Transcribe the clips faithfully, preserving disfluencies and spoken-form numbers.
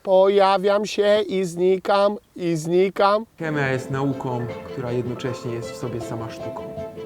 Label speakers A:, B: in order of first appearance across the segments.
A: Pojawiam się i znikam, i znikam.
B: Chemia jest nauką, która jednocześnie jest w sobie sama sztuką.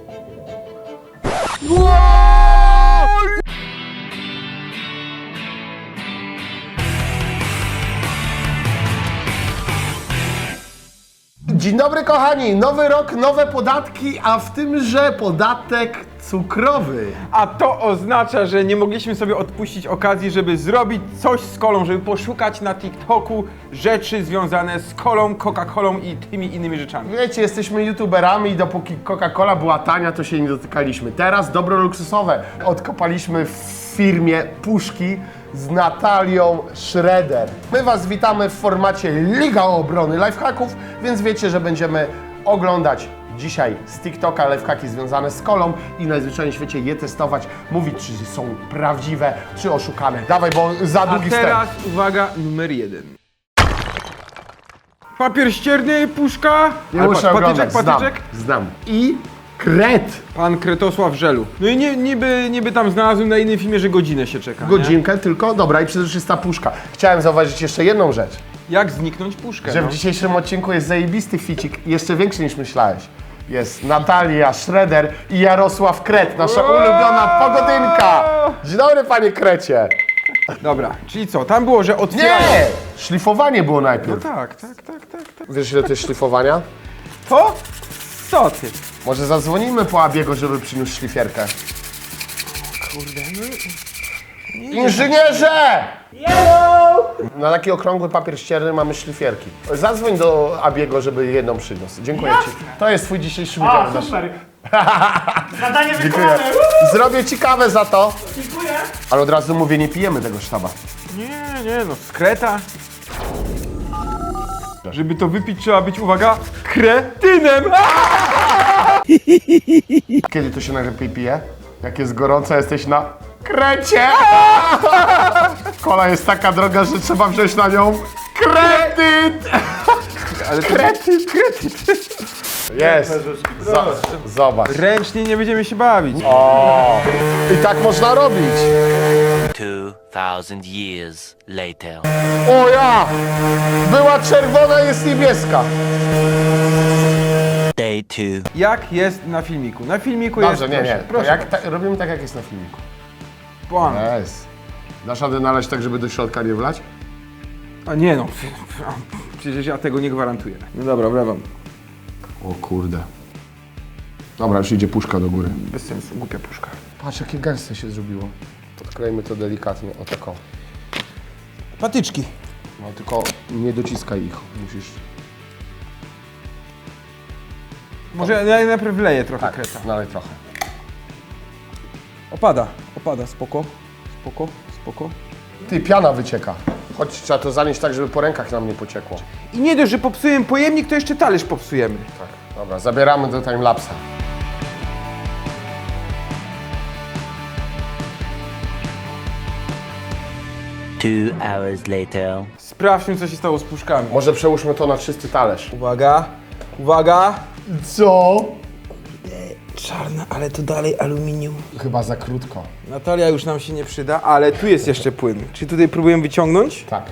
A: Dzień dobry kochani, nowy rok, nowe podatki, a w tymże podatek cukrowy.
B: A to oznacza, że nie mogliśmy sobie odpuścić okazji, żeby zrobić coś z kolą, żeby poszukać na TikToku rzeczy związane z kolą, Coca-Colą i tymi innymi rzeczami.
A: Wiecie, jesteśmy youtuberami i dopóki Coca-Cola była tania, to się nie dotykaliśmy. Teraz dobro luksusowe odkopaliśmy w firmie Puszki z Natalią Schroeder. My Was witamy w formacie Liga Obrony Lifehacków, więc wiecie, że będziemy oglądać dzisiaj z TikToka lifehacki związane z kolą i najzwyczajniej w świecie je testować, mówić, czy są prawdziwe, czy oszukane. Dawaj, bo za
B: A
A: długi
B: teraz
A: wstęp.
B: uwaga, numer jeden. Papier ścierny, puszka.
A: Nie
B: Ale
A: muszę
B: patrz,
A: oglądać,
B: patyczek, patyczek.
A: znam, znam. I kret.
B: Pan Kretosław Żelu. No i nie, niby, niby tam znalazłem na innym filmie, że godzinę się czeka. Nie?
A: Godzinkę tylko, dobra, i przezroczysta puszka. Chciałem zauważyć jeszcze jedną rzecz,
B: Jak zniknąć puszkę?
A: że
B: no?
A: w dzisiejszym odcinku jest zajebisty ficik, jeszcze większy niż myślałeś. Jest Natalia Schroeder i Jarosław Kret, nasza ulubiona pogodynka. Dzień dobry, panie Krecie.
B: Dobra, czyli co? Tam było, że
A: Nie!
B: otwierają.
A: Szlifowanie było najpierw.
B: Tak, tak, tak, tak, tak.
A: Wiesz, ile to jest szlifowania?
B: To? Co ty?
A: Może zadzwonimy po Abiego, żeby przyniósł szlifierkę.
B: Kurde, no...
A: Inżynierze! Na taki okrągły papier ścierny mamy szlifierki. Zadzwoń do Abiego, żeby jedną przyniósł. Dziękuję Ci. To jest Twój dzisiejszy udział.
C: O, super. Zadanie
A: Dziękuję.
C: wykonane.
A: Zrobię Ci kawę za to.
C: Dziękuję.
A: Ale od razu mówię, nie pijemy tego sztaba.
B: Nie, nie, no skreta. Żeby to wypić, trzeba być, uwaga, kretynem!
A: Kiedy to się najlepiej pije? Jak jest gorąco, jesteś na krecie! Kola jest taka droga, że trzeba wziąć na nią kredyt!
B: Ale to
A: Kredyt, kredyt! Jest! Zobacz. Zobacz.
B: ręcznie nie będziemy się bawić.
A: O! I tak można robić!
D: Two thousand years later.
A: O ja! Była czerwona, jest niebieska.
D: Day two.
B: Jak jest na filmiku? Na filmiku
A: Dobrze,
B: jest...
A: nie, nie.
B: Proszę,
A: To
B: proszę.
A: jak ta, robimy tak, jak jest na filmiku.
B: Pan.
A: Jest. Dasz radę nalać tak, żeby do środka nie wlać?
B: A nie no, przecież ja tego nie gwarantuję. No dobra, wlewam.
A: O kurde. Dobra, już idzie puszka do góry.
B: Bez sensu, głupia puszka.
A: Patrz, jakie gęste się zrobiło. Odklejmy to delikatnie, o taką.
B: Patyczki.
A: No tylko nie dociskaj ich, musisz...
B: Może ja najpierw wleję trochę
A: Tak,
B: kreta.
A: nalej trochę.
B: Opada, opada, spoko, spoko, spoko.
A: Ty, piana wycieka. Chodź, trzeba to zanieść tak, żeby po rękach nam nie pociekło.
B: I nie dość, że popsujemy pojemnik, to jeszcze talerz popsujemy.
A: Tak, dobra, zabieramy do timelapsa.
D: Two hours later.
B: Sprawdźmy, co się stało z puszkami.
A: Może przełóżmy to na czysty talerz.
B: Uwaga, uwaga.
A: Co?
B: Czarne, ale to dalej aluminium.
A: Chyba za krótko.
B: Natalia już nam się nie przyda, ale tu jest jeszcze płyn. Czy tutaj próbujemy wyciągnąć?
A: Tak.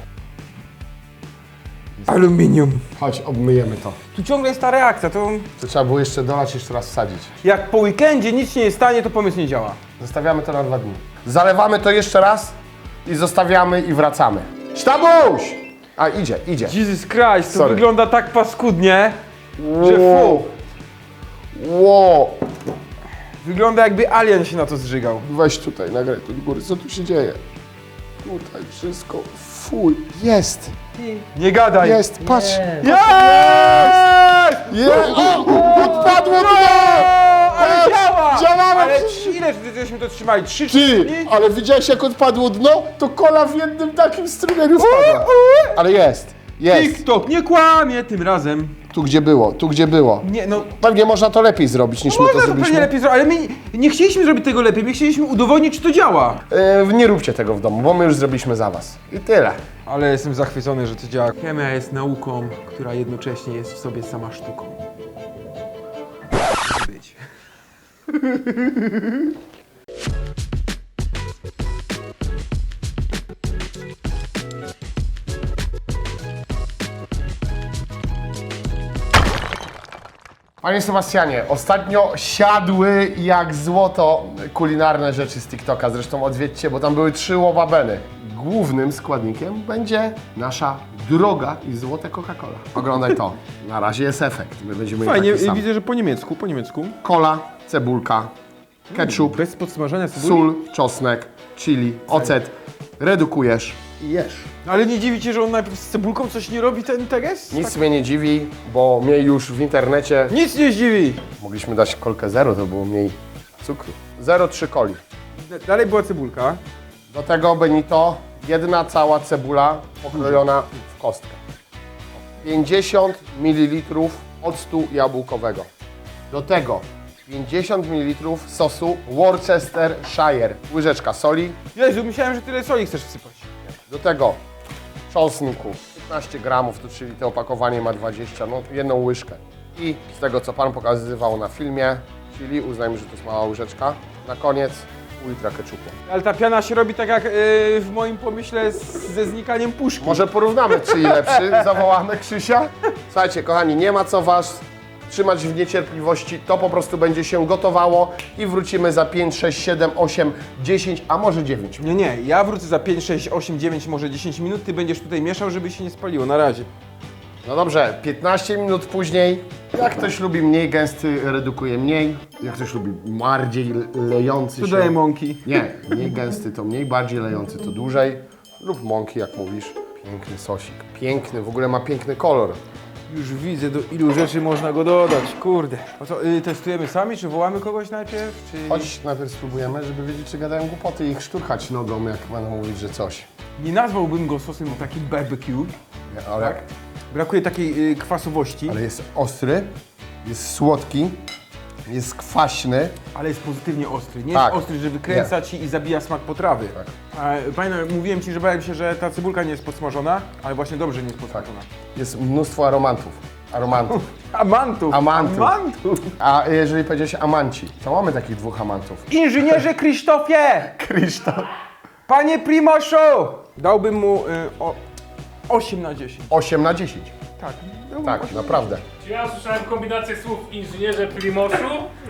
B: Aluminium.
A: Chodź, obmyjemy to.
B: Tu ciągle jest ta reakcja, to
A: To trzeba było jeszcze dolać, jeszcze raz wsadzić.
B: jak po weekendzie nic się nie stanie, to pomysł nie działa.
A: Zostawiamy to na dwa dni. Zalewamy to jeszcze raz i zostawiamy i wracamy. Sztabuś! A, idzie, idzie.
B: Jesus Christ, to
A: Sorry.
B: wygląda tak paskudnie, że fu.
A: Ło!
B: Wygląda jakby alien się na to zżygał.
A: Weź tutaj, nagraj tu do góry. Co tu się dzieje? Tutaj wszystko. Fuj. Jest!
B: Nie gadaj.
A: Jest! Patrz!
B: Jest!
A: Jest! O! Odpadło dno!
B: Ale
A: Jest!
B: działa!
A: Działało!
B: Ale ile żeśmy to trzymali? Trzy,
A: Ty!
B: trzy dni?
A: Ale widziałeś, jak odpadło dno? To kola w jednym takim strumieniu wpadła. Ale jest! Jest!
B: TikTok nie kłamie tym razem.
A: Tu gdzie było, tu gdzie było.
B: Nie, no
A: Pewnie można to lepiej zrobić niż my to
B: można to
A: zrobiliśmy.
B: pewnie lepiej zrobić, ale my nie, nie chcieliśmy zrobić tego lepiej, my chcieliśmy udowodnić, czy to działa.
A: Yy, nie róbcie tego w domu, bo my już zrobiliśmy za was. I tyle.
B: Ale jestem zachwycony, że to działa. Chemia jest nauką, która jednocześnie jest w sobie sama sztuką. Być.
A: Panie Sebastianie, ostatnio siadły jak złoto kulinarne rzeczy z TikToka. Zresztą odwiedźcie, bo tam były trzy łobabeny. Głównym składnikiem będzie nasza droga i złote Coca-Cola. Oglądaj to. Na razie jest efekt. My będziemy mieli
B: Fajnie,
A: taki sam.
B: widzę, że po niemiecku, po niemiecku.
A: Kola, cebulka, ketchup,
B: Bez podsmażania cebuli.
A: sól, czosnek, chili, ocet. Redukujesz i jesz.
B: Ale nie dziwi cię, że on najpierw z cebulką coś nie robi, ten teges?
A: Nic mnie nie dziwi, bo mnie już w internecie
B: Nic nie zdziwi.
A: mogliśmy dać kolkę zero, to było mniej cukru. zero przecinek trzy coli.
B: Dalej była cebulka.
A: Do tego Benito, jedna cała cebula pokrojona w kostkę. pięćdziesiąt mililitrów octu jabłkowego. Do tego pięćdziesiąt mililitrów sosu Worcestershire. Łyżeczka soli.
B: Jezu, myślałem, że tyle soli chcesz wsypać.
A: Do tego czosnku piętnaście gramów, to czyli to opakowanie ma dwadzieścia, no jedną łyżkę. I z tego, co Pan pokazywał na filmie, czyli uznajmy, że to jest mała łyżeczka. Na koniec pół litra ketchupu.
B: Ale ta piana się robi tak jak yy, w moim pomyśle z, ze znikaniem puszki.
A: Może porównamy, czyj lepszy, zawołamy Krzysia. Słuchajcie, kochani, nie ma co Was trzymać w niecierpliwości, to po prostu będzie się gotowało i wrócimy za pięć, sześć, siedem, osiem, dziesięć, a może dziewięć.
B: Nie, nie, ja wrócę za pięć, sześć, osiem, dziewięć, może dziesięć minut, ty będziesz tutaj mieszał, żeby się nie spaliło, na razie.
A: No dobrze, piętnaście minut później, jak ktoś lubi mniej gęsty, redukuje mniej, jak ktoś lubi bardziej lejący
B: Tu
A: się...
B: daję mąki.
A: Nie, mniej gęsty to mniej, bardziej lejący to dłużej, lub mąki, jak mówisz. Piękny sosik, piękny, w ogóle ma piękny kolor.
B: Już widzę, do ilu rzeczy można go dodać, kurde. O co, y, testujemy sami, czy wołamy kogoś najpierw, czy...
A: Chodź, najpierw spróbujemy, żeby wiedzieć, czy gadają głupoty i ich szturchać nogą, jak będą mówić, że coś.
B: Nie nazwałbym go sosem takim barbecue.
A: Nie, ale,
B: Brakuje takiej y, kwasowości,
A: ale jest ostry, jest słodki, jest kwaśny.
B: ale jest pozytywnie ostry. Nie
A: Tak.
B: jest ostry, że wykręca ci i zabija smak potrawy.
A: Tak.
B: A, pamiętam, mówiłem ci, że bałem się, że ta cebulka nie jest podsmażona, ale właśnie dobrze nie jest podsmażona.
A: Jest mnóstwo aromatów. Aromatów.
B: Amantów!
A: Amantów.
B: Amantów!
A: A jeżeli powiedziałeś amanci, to mamy takich dwóch amantów.
B: Inżynierze Krzysztofie!
A: Krzysztof.
B: Panie Primoszu! Dałbym mu y, o, osiem na dziesięć.
A: osiem na dziesięć.
B: Tak, dałbym
A: Tak,
B: osiem.
A: naprawdę.
C: Czy ja słyszałem kombinację słów inżynierze Primoszu?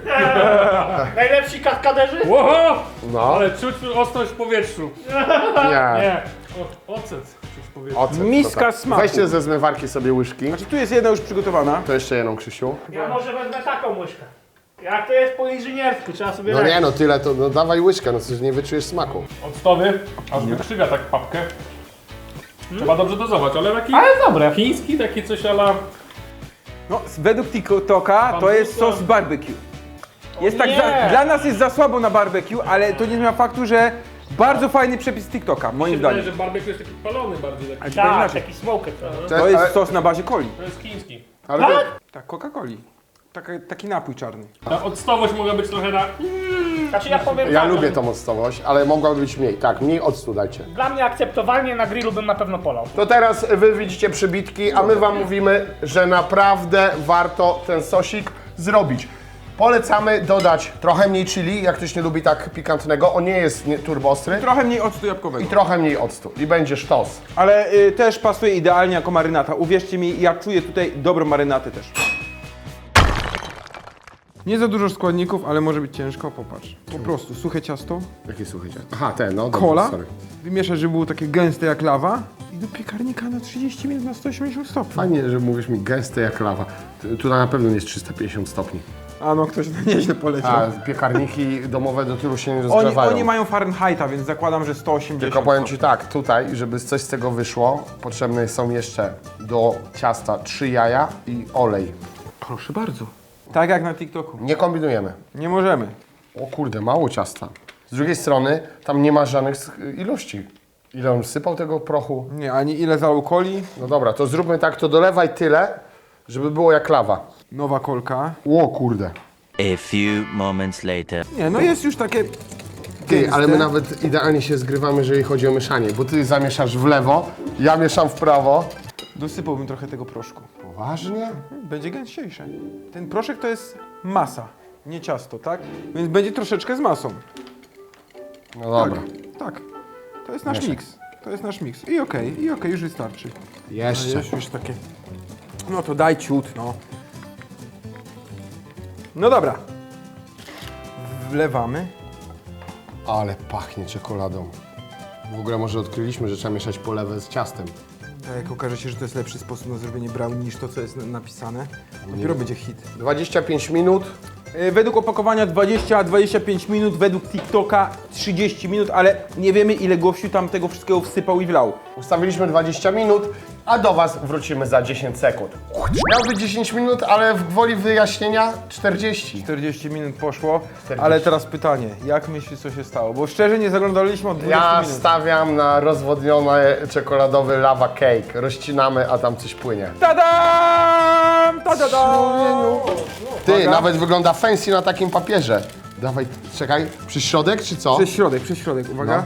C: Najlepsi kaskaderzy? Łoho!
A: No,
C: Ale czuć ostrość w powietrzu.
A: nie.
C: Nie, o, ocet czuć w powietrzu.
A: Ocet,
B: Miska
A: to tak.
B: smaku.
A: Weźcie ze zmywarki sobie łyżki.
B: Znaczy tu jest jedna już przygotowana.
A: To jeszcze jedną, Krzysiu.
C: Ja może wezmę taką łyżkę. Jak to jest po inżyniersku, trzeba sobie
A: No
C: radzić.
A: nie no, tyle to, no dawaj łyżkę, no coś nie wyczujesz smaku.
E: Octowy, aż wykrzywia tak papkę. Trzeba dobrze dozować, ale taki
C: Ale dobre.
E: chiński, taki coś ala...
B: No, według TikToka to jest sos barbecue. Jest tak,
C: nie.
B: za, dla nas jest za słabo na barbecue, ale to nie zmienia faktu, że bardzo fajny przepis TikToka, moim
E: Wydaje,
B: zdaniem.
E: że barbecue jest taki palony bardziej, taki.
B: zupełnie
C: Tak,
B: inaczej.
C: taki smoker trochę.
B: To jest sos na bazie coli.
E: To jest chiński.
A: Ale to,
B: Tak, Coca-Coli. Taka, taki napój czarny.
E: Ta octowość mogła być trochę na...
C: Znaczy ja powiem
A: ja
C: tak,
A: lubię tą octowość, ale mogłaby być mniej. Tak, mniej octu dajcie.
C: dla mnie akceptowalnie na grillu bym na pewno polał.
A: To teraz wy widzicie przybitki, a my wam mówimy, że naprawdę warto ten sosik zrobić. Polecamy dodać trochę mniej chili, jak ktoś nie lubi tak pikantnego. On nie jest nie- turbo ostry.
B: Trochę mniej octu
A: I
B: jabłkowego.
A: trochę mniej octu. I będzie sztos.
B: Ale y, też pasuje idealnie jako marynata. Uwierzcie mi, ja czuję tutaj dobrą marynatę też. Nie za dużo składników, ale może być ciężko, popatrz. Po prostu suche ciasto,
A: Jakie słuchajcie? Aha, ten, no dobrze,
B: kola,
A: sorry.
B: wymieszać, żeby było takie gęste jak lawa i do piekarnika na trzydzieści minut na sto osiemdziesiąt stopni.
A: Fajnie, że mówisz mi gęste jak lawa. Tu- Tu na pewno jest trzysta pięćdziesiąt stopni.
B: A no, ktoś na nieźle poleciał.
A: A piekarniki domowe do tylu się nie
B: Oni,
A: rozgrzewają.
B: oni mają Fahrenheita, więc zakładam, że sto osiemdziesiąt.
A: Tylko powiem Ci tak, tutaj, żeby coś z tego wyszło, potrzebne są jeszcze do ciasta trzy jaja i olej.
B: Proszę bardzo. Tak jak na TikToku.
A: Nie kombinujemy.
B: Nie możemy.
A: O kurde, mało ciasta. Z drugiej strony, tam nie ma żadnych sch- ilości. Ile on sypał tego prochu?
B: Nie, ani ile zalał coli.
A: No dobra, to zróbmy tak, to dolewaj tyle, żeby było jak lawa.
B: Nowa kolka.
A: O kurde.
D: A few moments later.
B: Nie, no jest już takie
A: Ty,
B: gęste.
A: ale my nawet idealnie się zgrywamy, jeżeli chodzi o mieszanie, bo ty zamieszasz w lewo, ja mieszam w prawo.
B: Dosypałbym trochę tego proszku.
A: Poważnie?
B: Będzie gęściejsze. Ten proszek to jest masa, nie ciasto, tak? Więc będzie troszeczkę z masą.
A: No dobra.
B: Tak. To jest nasz
A: Mieszaj.
B: miks. To jest nasz miks. I okej, i okej, już wystarczy.
A: Jeszcze.
B: Jest już takie. No to daj ciut, no. No dobra. Wlewamy.
A: Ale pachnie czekoladą. W ogóle może odkryliśmy, że trzeba mieszać polewę z ciastem.
B: A jak okaże się, że to jest lepszy sposób na zrobienie brownie niż to, co jest na- napisane, dopiero będzie hit.
A: dwadzieścia pięć minut.
B: Yy, Według opakowania dwadzieścia do dwudziestu pięciu minut, według TikToka trzydzieści minut, ale nie wiemy, ile gościu tam tego wszystkiego wsypał i wlał.
A: Ustawiliśmy dwadzieścia minut, a do Was wrócimy za dziesięć sekund. Miał być dziesięć minut, ale w gwoli wyjaśnienia czterdzieści.
B: czterdzieści minut poszło,
A: czterdzieści.
B: ale teraz pytanie, jak myślisz, co się stało? Bo szczerze nie zaglądaliśmy od dwudziestu
A: Ja
B: minut.
A: stawiam na rozwodniony czekoladowy lava cake. Rozcinamy, a tam coś płynie.
B: Tadam! Tadadam!
A: Ty,
B: Uwaga.
A: nawet wygląda fancy na takim papierze. Dawaj, czekaj, przy środek czy co?
B: Przez środek, przez środek, uwaga.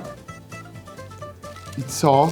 A: I co?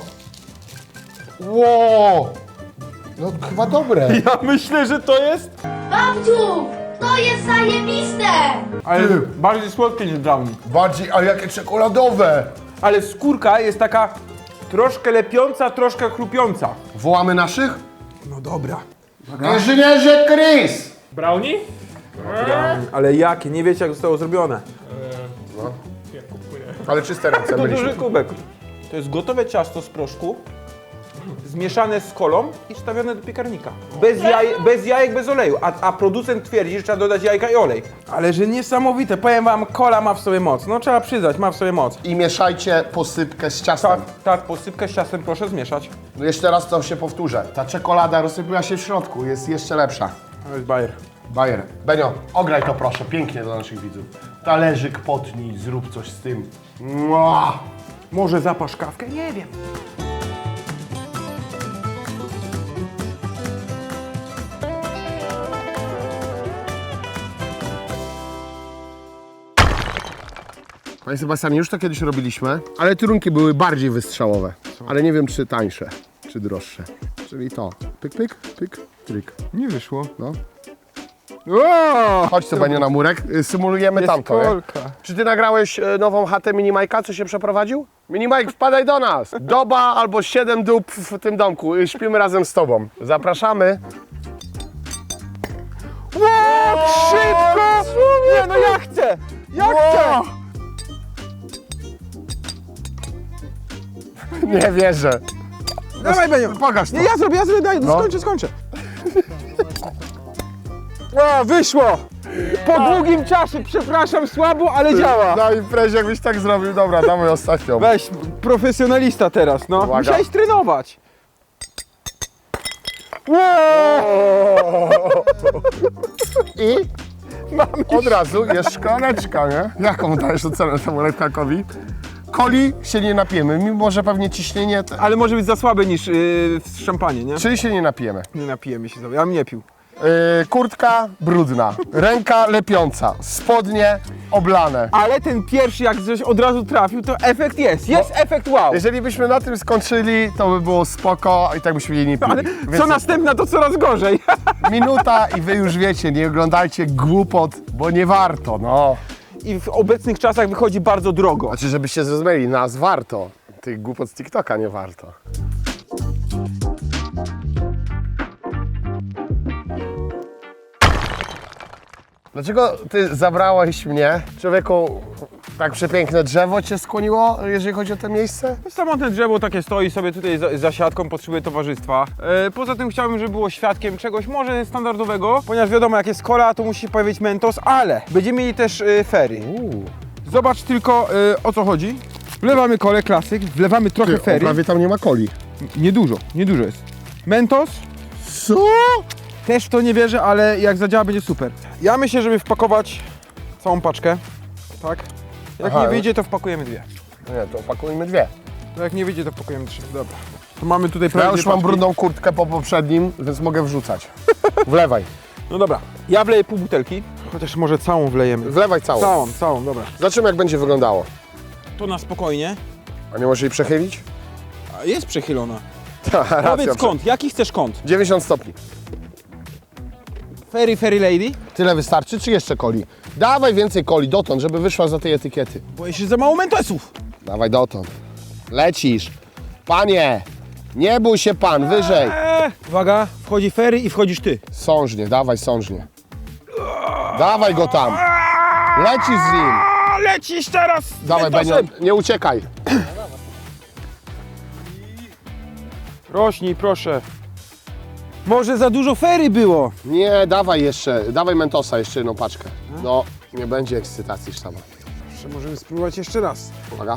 A: Ło! No chyba dobre.
B: Ja myślę, że to jest...
F: Babciu, to jest zajebiste!
B: Ale
A: Ty.
B: bardziej słodkie niż brownie.
A: Bardziej, ale jakie czekoladowe.
B: Ale skórka jest taka troszkę lepiąca, troszkę chrupiąca.
A: Wołamy naszych?
B: No dobra.
A: Inżynierze Chris!
E: Brownie?
B: Ale jakie? Nie wiecie, jak zostało zrobione.
E: Jak kupuję.
A: Ale czyste ręce
B: To
A: byliśmy.
B: duży kubek. To jest gotowe ciasto z proszku, zmieszane z kolą i wstawione do piekarnika. Bez, jaj, bez jajek, bez oleju. A, a producent twierdzi, że trzeba dodać jajka i olej. Ale że niesamowite. Powiem wam, kola ma w sobie moc. No trzeba przyznać, ma w sobie moc.
A: I mieszajcie posypkę z ciastem.
B: Tak, tak, posypkę z ciastem proszę zmieszać.
A: No jeszcze raz to się powtórzę. Ta czekolada rozsypyła się w środku, jest jeszcze lepsza.
B: To jest bajer.
A: Bajer. Benio, ograj to proszę, pięknie dla naszych widzów. Talerzyk potnij, zrób coś z tym. Mua!
B: Może zapasz kawkę? Nie wiem.
A: Panie Sebastianie, już to kiedyś robiliśmy, ale trunki były bardziej wystrzałowe. Ale nie wiem, czy tańsze, czy droższe. Czyli to. Pyk, pyk, pyk, tryk.
B: Nie wyszło.
A: No.
B: O!
A: Chodź tu, Benio, na murek. Y, Symulujemy
B: Jest
A: tamto, nie?
B: kolka.
A: Czy ty nagrałeś e, nową chatę Minimajka, co się przeprowadził? Minimajk, wpadaj do nas! Doba albo siedem dób w tym domku. Y, Śpimy razem z tobą. Zapraszamy.
B: Ło, szybko! Nie, no ja chcę! Ja chcę!
A: Nie wierzę.
B: Dawaj, Benio.
A: Pokaż to.
B: Nie, ja zrobię, ja zrobię, daj,
A: No.
B: skończę, skończę. O, wyszło! Po długim czasie, przepraszam, słabo, ale działa.
A: Na imprezie jakbyś tak zrobił. Dobra, damy ostatnią.
B: Weź, profesjonalista teraz, no.
A: Uwaga.
B: Musiałeś trenować. Wow!
A: I od razu jest szklaneczka, nie? Jaką dajesz ocenę temu lifehackowi? Coli się nie napijemy, mimo że pewnie ciśnienie... Te...
B: Ale może być za słabe niż yy, w szampanie, nie?
A: Czyli się nie napijemy.
B: Nie napijemy się, ja bym nie pił.
A: Yy, kurtka brudna, ręka lepiąca, spodnie oblane.
B: Ale ten pierwszy, jak coś od razu trafił, to efekt jest. Jest efekt wow.
A: Jeżeli byśmy na tym skończyli, to by było spoko i tak byśmy jej nie pili.
B: Ale
A: Więc
B: co następna, to coraz gorzej.
A: minuta i wy już wiecie, nie oglądajcie głupot, bo nie warto, no.
B: I w obecnych czasach wychodzi bardzo drogo.
A: Znaczy, żebyście zrozumieli, nas warto. Tych głupot z TikToka nie warto. Dlaczego ty zabrałeś mnie? Człowieku, tak przepiękne drzewo cię skłoniło, jeżeli chodzi o to miejsce?
B: Samotne drzewo takie stoi sobie tutaj za, za siatką, potrzebuje towarzystwa. E, poza tym chciałbym, żeby było świadkiem czegoś może standardowego, ponieważ wiadomo, jak jest cola, to musi się pojawić Mentos, ale będziemy mieli też e, ferry.
A: Uuu.
B: Zobacz tylko e, o co chodzi. Wlewamy kolę klasyk, wlewamy trochę
A: Ty, o,
B: ferry.
A: prawie tam nie ma coli.
B: Niedużo, niedużo jest. Mentos,
A: Co?
B: też w to nie wierzę, ale jak zadziała, będzie super. Ja myślę, żeby wpakować całą paczkę, tak? Jak
A: Aha.
B: nie wyjdzie, to wpakujemy dwie.
A: Nie, to opakujmy dwie.
B: To jak nie wyjdzie, to wpakujemy trzy. Dobra. To mamy tutaj
A: Ja
B: prawie
A: już
B: dwie
A: mam
B: paczki.
A: brudną kurtkę po poprzednim, więc mogę wrzucać. Wlewaj.
B: No dobra, ja wleję pół butelki, chociaż może całą wlejemy.
A: Wlewaj całą.
B: Całą, całą, dobra.
A: Zobaczymy, jak będzie wyglądało.
B: To na spokojnie.
A: A nie możesz jej przechylić?
B: A jest przechylona.
A: Racja,
B: Powiedz kąt, jaki chcesz kąt?
A: dziewięćdziesiąt stopni.
B: Fairy, fairy lady?
A: Tyle wystarczy, czy jeszcze coli? Dawaj więcej coli dotąd, żeby wyszła za tej etykiety.
B: Boję się za mało mentosów.
A: Dawaj dotąd. Lecisz. Panie, nie bój się pan, wyżej.
B: Eee, uwaga, wchodzi fairy i wchodzisz ty.
A: Sążnie, dawaj sążnie. Dawaj go tam. Lecisz z nim.
B: A, lecisz teraz! z
A: Dawaj, Benio,
B: Mentosem.
A: nie uciekaj.
B: Rośnij, proszę. Może za dużo fery było.
A: Nie, dawaj jeszcze, dawaj Mentosa, jeszcze jedną paczkę. No, nie będzie ekscytacji sztaba.
B: Jeszcze możemy spróbować jeszcze raz.
A: Uwaga.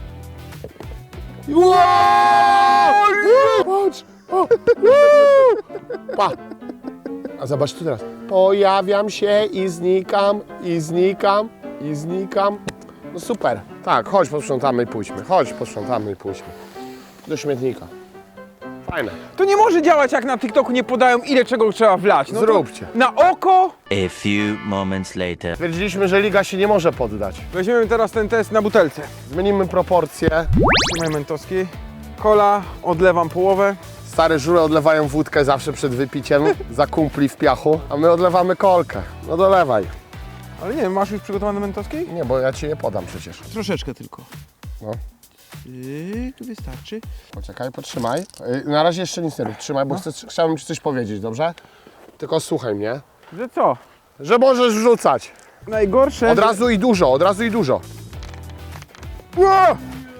A: Patrz! O! Pa! A zobacz tu teraz. Pojawiam się i znikam, i znikam, i znikam. No super. Tak, chodź posprzątamy i pójdźmy. Chodź posprzątamy i pójdźmy. Do śmietnika. Fajne.
B: To nie może działać, jak na TikToku nie podają, ile czego trzeba wlać. No to
A: Zróbcie.
B: na oko.
D: A few moments later.
A: Stwierdziliśmy, że liga się nie może poddać.
B: Weźmiemy teraz ten test na butelce.
A: Zmienimy proporcje.
B: Trzymaj Mentoski. Kola, odlewam połowę.
A: Stare żule odlewają wódkę zawsze przed wypiciem za kumpli w piachu, a my odlewamy kolkę. No dolewaj.
B: Ale nie, masz już przygotowane Mentoski?
A: Nie, bo ja ci nie podam przecież.
B: Troszeczkę tylko.
A: No.
B: Yy, tu wystarczy.
A: Poczekaj, potrzymaj. Yy, Na razie jeszcze nic nie rób. Trzymaj, bo chcę, chciałbym ci coś powiedzieć, dobrze? Tylko słuchaj mnie.
B: Że co?
A: Że możesz wrzucać.
B: Najgorsze,
A: Od
B: że-
A: razu i dużo, od razu i dużo.
B: Ło!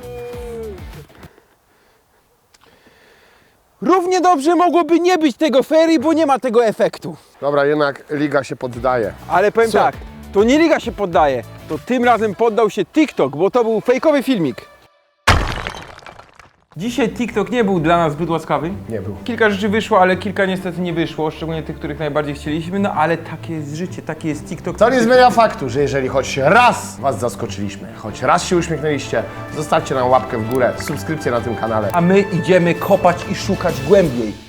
B: Równie dobrze mogłoby nie być tego ferii, bo nie ma tego efektu.
A: Dobra, jednak liga się poddaje.
B: Ale powiem
A: Co?
B: tak, to nie liga się poddaje, to tym razem poddał się TikTok, bo to był fejkowy filmik. Dzisiaj TikTok nie był dla nas zbyt łaskawy.
A: Nie był.
B: Kilka rzeczy wyszło, ale kilka niestety nie wyszło, szczególnie tych, których najbardziej chcieliśmy, no ale takie jest życie, taki jest TikTok.
A: To nie zmienia faktu, że jeżeli choć raz was zaskoczyliśmy, choć raz się uśmiechnęliście, zostawcie nam łapkę w górę, subskrypcję na tym kanale.
B: A my idziemy kopać i szukać głębiej.